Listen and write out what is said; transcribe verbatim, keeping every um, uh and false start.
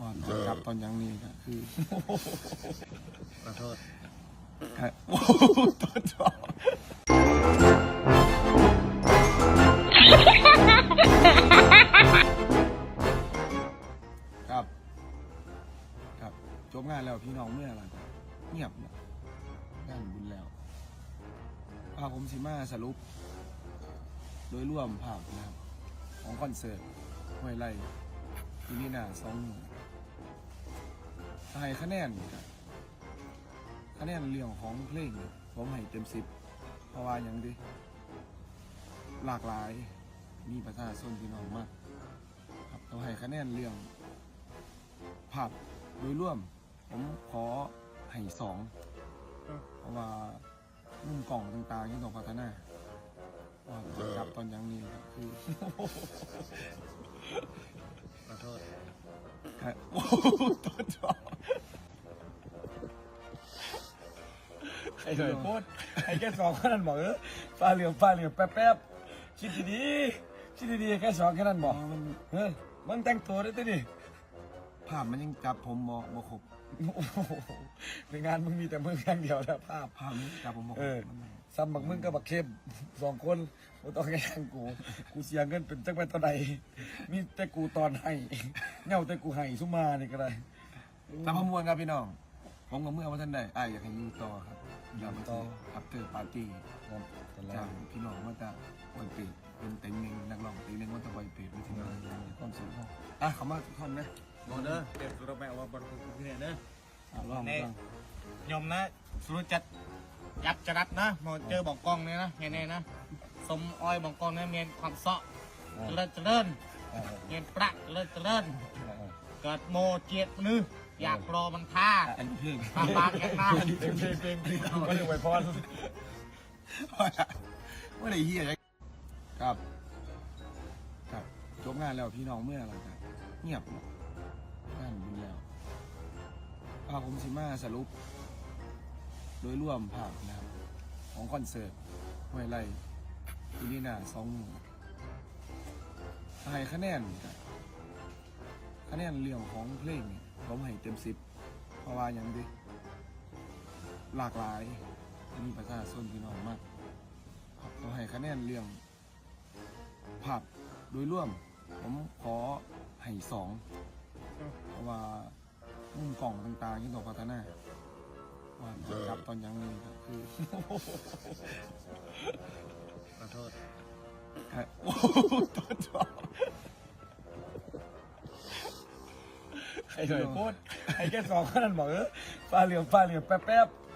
จับตอนยังนี้ก็คือขอโทษครับโอ้ตัวจอครับครับจบงานแล้วพี่น้องเมื่อไหร่ครับเงียบนะงานบุญแล้วพาผมสิมาสรุปโดยร่วมภาพนะครับของคอนเสิร์ตห้วยไร่ที่นี่น่ะสองให้คะแนนครับคะแนนเรื่องของเพลงผมให้เต็มสิบเพราะว่าอย่างดิหลากหลายมีประชาชนพี่น้องมากครับเราให้คะแนนเรื่องภาพโดยร่วมผมขอให้สองเพราะว่ามุมกล่องต่างๆยังต้องพัฒนาว่าจับตอนยังนี้ก็คือขอโทษครับโอ้ตัวจอไอ้หน่อยพูดไอ้แค่สองแค่นั้นบอกเออฟ้าเหลืองฟ้าเหลืองแป๊บๆคิดดีๆคิดดีๆแค่สองแค่นั้นบอกมันเฮ้ยมันแต่งตัวได้ตัวดิภาพมันยังจับผมบ่บ่ครบโอ้โหในงานมึงมีแต่มึงอย่างเดียวนะภาพภาพมันจับผมบ่ครบเออซ้ำบักมึงกับบักเข้มสองคนกูต้องแข่งกูกูเสียเงินเป็นจักไปตอนใดมีแต่กูตอนให้เงาแต่กูให้ซุมานี่ก็ได้ตามขบวนครับพี่น้องผมกับเมื่อวันท่านใดอ้ายอยากให้อยู่ต่อครับอยากต่ออัปเตอร์ปาร์ตี้จากพี่น้องว่าจะปล่อยเปรตเป็นเต็งหนึ่งนักร้องเต็งหนึ่งว่าจะปล่อยเปรตไปที่ไหนความสุขอ่ะเขามาทุกคนนะบอเด้อเดี๋ยวเราไปเอาบอลคุณพี่เนี่ยเด้อลองลองยมนะสุรจัดยับจรัดนะมาเจอบอกกองเนี่ยนะไงเนี่ยนะสมอ้อยบอกกองเนี่ยเมียนความเสาะเจริญเจริญเมียนประเจริญเจริญเกิดโมเจียดมืออยากรอมันท่าอันนี้เพลงปากปากแข็งหน้าเพลงเพลงเพลงเพลงก็เลยไว้พรว่าได้เฮียครับครับจบงานแล้วพี่น้องเมื่อไหร่ครับเงียบงานบุญแล้วพาผมสิมาสรุปโดยร่วมภาพนะครับของคอนเสิร์ตห้วยไร่ที่นี่น่ะสองให้คะแนนครับคะแนนเรื่องของเพลงผมให้เต็มสิบเพราะว่าอย่างดิหลากหลายมีประชาชนพี่น้องมากครับเราให้คะแนนเรื่องภาพโดยร่วมผมขอให้สองเพราะว่ามุมกล่องต่างๆยังต้องพัฒนาว่าจับตอนยังนี้ก็คือขอโทษครับโอ้ตัวจอไอ้หน่อยพูดไอ้แค่สองแค่นั้นบอกเออฟ้าเหลืองฟ้าเหลืองแป๊บๆ